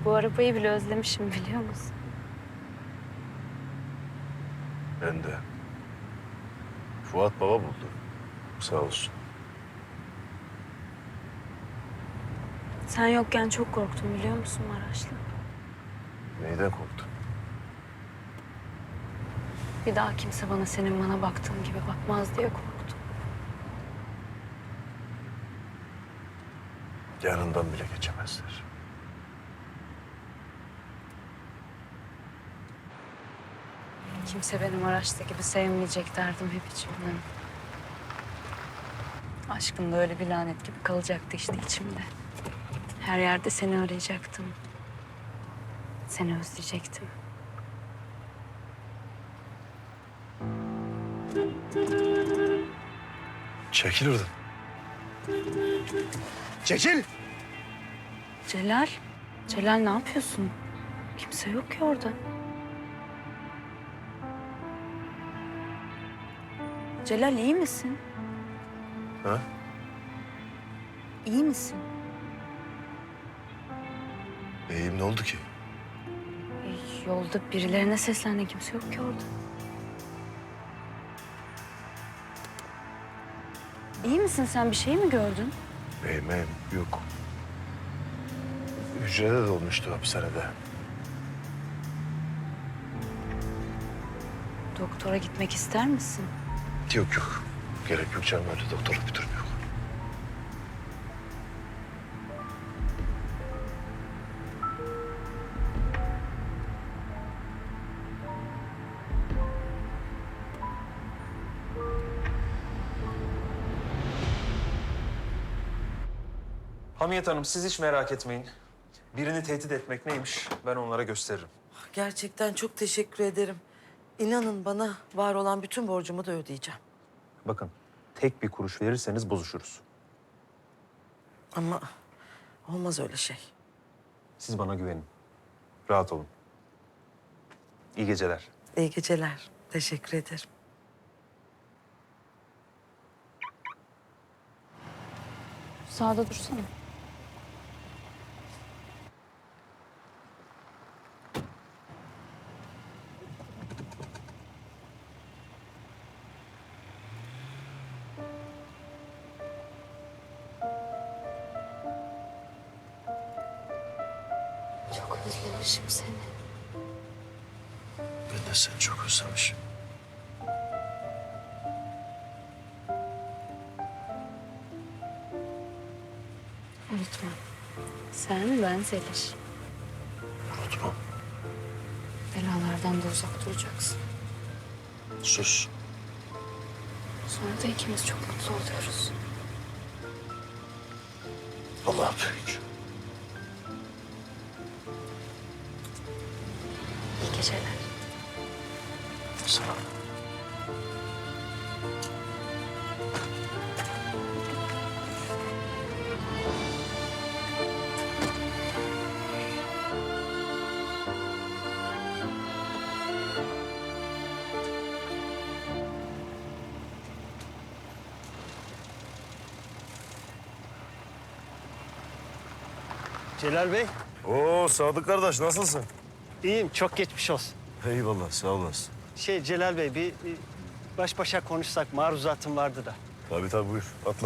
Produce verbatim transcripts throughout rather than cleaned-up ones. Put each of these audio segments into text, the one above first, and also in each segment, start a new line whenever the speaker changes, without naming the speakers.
Bu arabayı bile özlemişim biliyor musun?
Ben de. Fuat baba buldu. Sağ olsun.
Sen yokken çok korktum biliyor musun Maraşlı?
Neyden korktun?
Bir daha kimse bana senin bana baktığın gibi bakmaz diye korktum.
Yanından bile geçemezler.
Kimse beni Maraşlı gibi sevmeyecek derdim hep içimden. Aşkın da öyle bir lanet gibi kalacaktı işte içimde. Her yerde seni arayacaktım. Seni özleyecektim.
Çekil oradan. Çekil!
Celal, Celal ne yapıyorsun? Kimse yok ki orada. Celal iyi misin?
Ha?
İyi misin?
İyiyim, ne oldu ki?
E, Yolda birilerine seslendin, kimse yok ki orada. İyi misin sen? Bir şey mi gördün?
İyiyim, iyiyim. Yok. Hücrede de olmuştu hapishanede.
Doktora gitmek ister misin?
Yok yok. Gerek yok canım, öyle doktorluk bir durum yok.
Hamiyet Hanım, siz hiç merak etmeyin. Birini tehdit etmek neymiş ben onlara gösteririm.
Gerçekten çok teşekkür ederim. İnanın bana var olan bütün borcumu da ödeyeceğim.
Bakın, tek bir kuruş verirseniz bozuşuruz.
Ama olmaz öyle şey.
Siz bana güvenin. Rahat olun. İyi geceler.
İyi geceler. Teşekkür ederim.
Sağda dursana. Çok özlemişim seni.
Ben de seni çok özlemişim.
Unutma. Sen, ben, Zeliş.
Unutmam.
Belalardan da uzak duracaksın.
Sus.
Sonra da ikimiz çok mutlu oluyoruz.
Allah büyük.
İyi geceler.
Sağ ol.
Celal Bey,
Oo Sadık kardeş, nasılsın?
iyiyim. Çok geçmiş olsun.
Eyvallah, sağ olasın.
Şey Celal Bey, bir, bir baş başa konuşsak maruzatım vardı da.
Tabii tabii, buyur. Atla.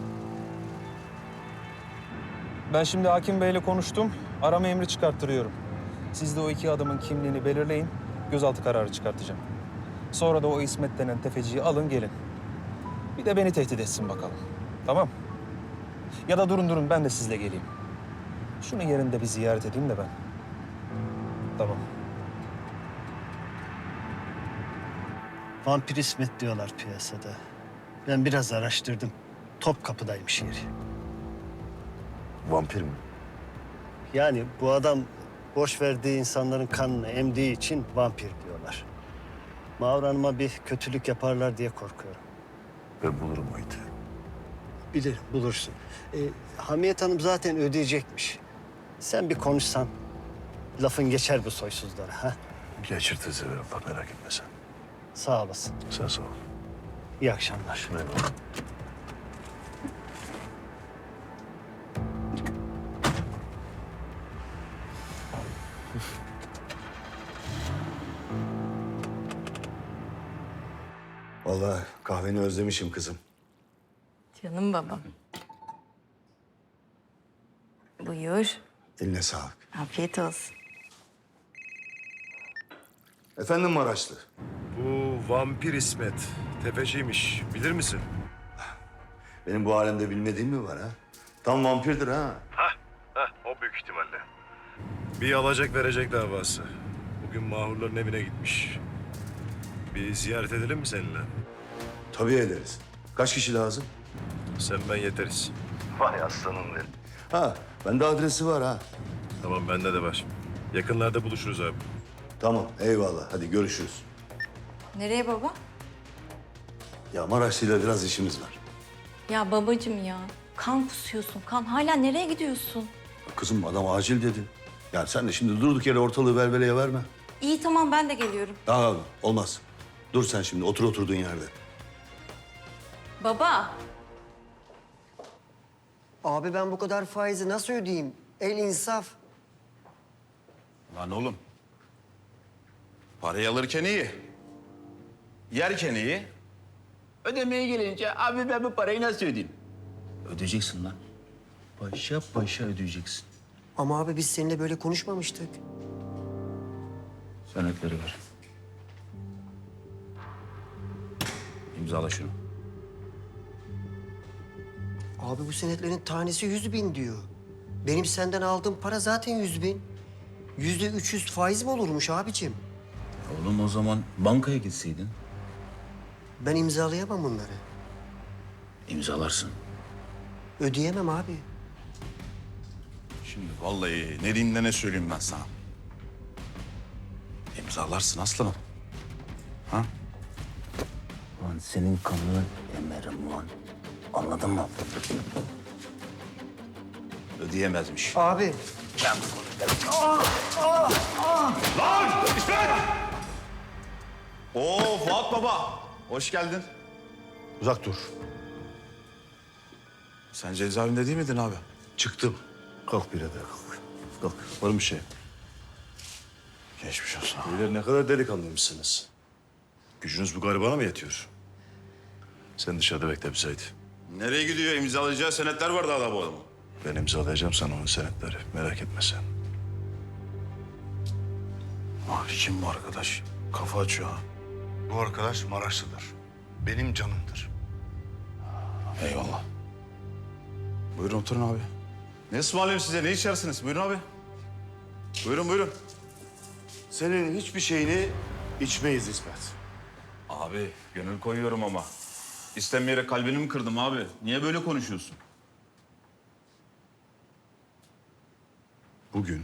Ben şimdi hakim beyle konuştum. Arama emri çıkarttırıyorum. Siz de o iki adamın kimliğini belirleyin. Gözaltı kararı çıkartacağım. Sonra da o İsmet denen tefeciyi alın gelin. Bir de beni tehdit etsin bakalım. Tamam? Ya da durun durun ben de sizle geleyim. Şunu yerinde bir ziyaret edeyim de ben. Tamam.
Vampir İsmet diyorlar piyasada. Ben biraz araştırdım. Topkapı'daymış yeri.
Vampir mi?
Yani bu adam boş verdiği insanların kanını emdiği için vampir diyorlar. Mağur Hanım'a bir kötülük yaparlar diye korkuyorum.
Ben bulurum o iti.
Bilirim, bulursun. Ee, Hamiyet Hanım zaten ödeyecekmiş. Sen bir konuşsan, lafın geçer bu soysuzlara. Ha?
Geçirtir sever Allah, merak etme sen.
Sağ olasın.
Sen sağ ol.
İyi akşamlar.
Eyvallah. Vallahi kahveni özlemişim kızım.
Canım babam. Buyur.
Eline sağlık.
Afiyet olsun.
Efendim Maraşlı.
Bu vampir İsmet. Tefeciymiş. Bilir misin?
Benim bu alemde bilmediğim mi var ha? Tam vampirdir ha.
Hah, hah. O büyük ihtimalle. Bir alacak verecek davası. Bugün mahurların evine gitmiş. Bir ziyaret edelim mi seninle?
Tabii ederiz. Kaç kişi lazım?
Sen ben yeteriz.
Vay aslanım benim. Ha, bende adresi var ha.
Tamam bende de var. Yakınlarda buluşuruz abi.
Tamam, eyvallah. Hadi görüşürüz.
Nereye baba?
Ya Maraşlı'yla biraz işimiz var.
Ya babacığım ya. Kan kusuyorsun kan. Hala nereye gidiyorsun?
Kızım adam acil dedi. Ya sen de şimdi durduk yere ortalığı velveleye verme.
İyi tamam ben de geliyorum.
Daha olmaz. Dur sen şimdi otur oturduğun yerde.
Baba.
Abi ben bu kadar faizi nasıl ödeyeyim? El insaf.
Lan oğlum. Parayı alırken iyi. Yerken iyi. Ödemeye gelince abi ben bu parayı nasıl ödeyeyim? Ödeyeceksin lan. Paşa paşa ödeyeceksin.
Ama abi biz seninle böyle konuşmamıştık.
Senetleri ver. İmzala şunu.
Abi bu senetlerin tanesi yüz bin diyor. Benim senden aldığım para zaten yüz bin. Yüzde üç yüz faiz mi olurmuş abicim?
Oğlum o zaman bankaya gitseydin.
Ben imzalayamam bunları.
İmzalarsın.
Ödeyemem abi.
Şimdi vallahi ne diyeyim de ne söyleyeyim ben sana. İmzalarsın aslanım. Ha? Lan senin kanını emerim lan. Anladın mı? Ödeyemezmiş.
Abi.
Oo Fuat Baba. Hoş geldin.
Uzak dur.
Sen cezaevinde değil miydin abi?
Çıktım. Kalk birader kalk. Kalk. Var mı bir şey?
Geçmiş olsun.
Beyler ne kadar delikanlıymışsınız. Gücünüz bu garibana mı yetiyor? Sen dışarıda bekle bir Sait.
Nereye gidiyor? İmzalayacağı senetler var daha da bu adamın.
Ben imzalayacağım sana onun senetleri. Merak etme sen.
Ah kim bu arkadaş? Kafa açıyor ha.
Bu arkadaş Maraşlı'dır. Benim canımdır.
Eyvallah. Buyurun oturun abi. Ne ısmarlayayım size? Ne içersiniz? Buyurun abi. Buyurun buyurun.
Senin hiçbir şeyini içmeyiz İsmet.
Abi gönül koyuyorum ama. İstemeyerek kalbini mi kırdım abi? Niye böyle konuşuyorsun?
Bugün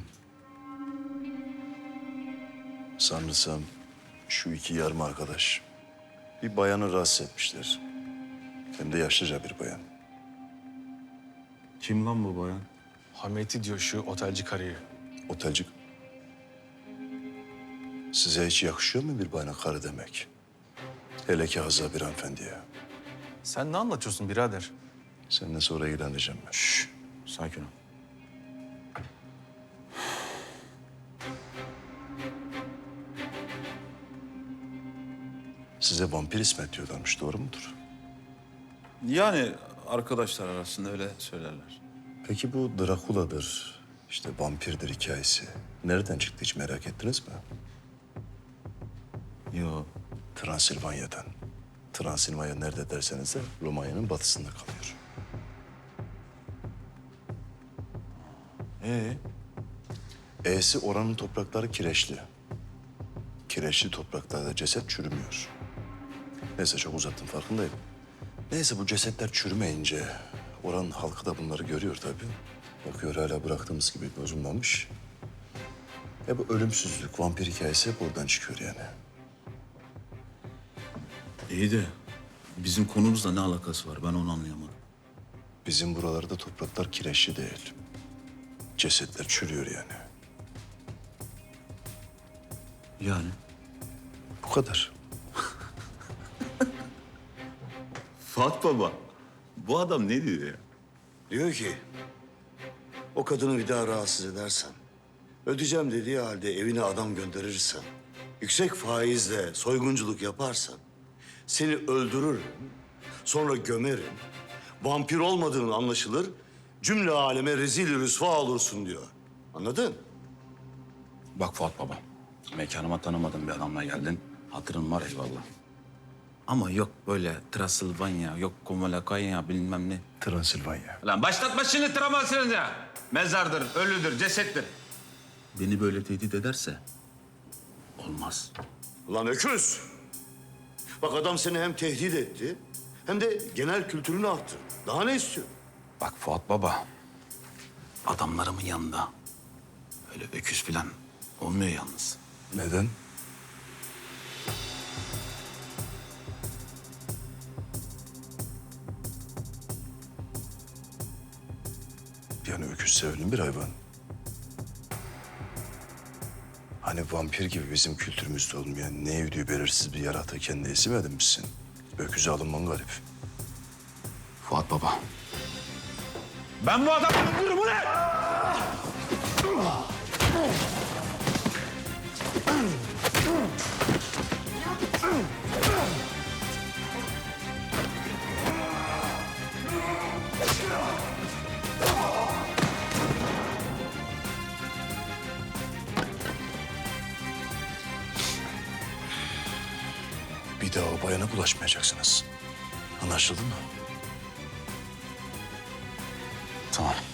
sanırsam şu iki yarım arkadaş bir bayanı rahatsız etmişler. Hem de yaşlıca bir bayan.
Kim lan bu bayan?
Hameti diyor şu otelci karıyı.
Otelci. Size hiç yakışıyor mu bir bayana karı demek? Hele ki hazza bir hanımefendiye.
Sen ne anlatıyorsun birader?
Seninle sonra ilgileneceğim ben.
Şşş, sakin ol.
Size vampir İsmet diyorlarmış, doğru mudur?
Yani arkadaşlar arasında öyle söylerler.
Peki bu Drakula'dır, işte vampirdir hikayesi nereden çıktı hiç merak ettiniz mi?
Yo.
Transilvanya'dan. Transilvanya nerede derseniz de Romanya'nın batısında kalıyor.
Ee?
E'si oranın toprakları kireçli. Kireçli topraklarda ceset çürümüyor. Neyse çok uzattım farkındayım. Neyse bu cesetler çürümeyince oranın halkı da bunları görüyor tabii. Bakıyor hala bıraktığımız gibi bozulmamış. E bu ölümsüzlük, vampir hikayesi hep oradan çıkıyor yani.
İyi de bizim konumuzla ne alakası var? Ben onu anlayamadım.
Bizim buralarda topraklar kireçli değil. Cesetler çürüyor yani.
Yani?
Bu kadar.
Fuat Baba, bu adam ne diyor ya?
Diyor ki, o kadını bir daha rahatsız edersen, ödeyeceğim dediği halde evine adam gönderirsen, yüksek faizle soygunculuk yaparsan, Seni öldürürüm, sonra gömerim. Vampir olmadığın anlaşılır, cümle aleme rezil rüsva olursun diyor. Anladın?
Bak Fuat Baba, mekanıma tanımadığın bir adamla geldin. Hatırın var eyvallah. Ama yok böyle Transilvanya, yok Komalakaya bilmem ne.
Transilvanya.
Lan başlatma şimdi Transilvanya. Mezardır, ölüdür, cesettir. Beni böyle tehdit ederse olmaz.
Ulan öküz! Bak adam seni hem tehdit etti, hem de genel kültürünü arttırdı. Daha ne istiyor?
Bak Fuat Baba, adamlarımın yanında öyle öküz falan olmuyor yalnız.
Neden? Yani öküz sevilen bir hayvan. Hani vampir gibi bizim kültürümüzde olmayan ne evdiği belirsiz bir yaratığı kendi isim edinmişsin. Öküze alınman garip.
Fuat Baba. Ben bu adamı öldürürüm ulan!
Bir daha o bayana bulaşmayacaksınız. Anlaşıldı mı?
Tamam.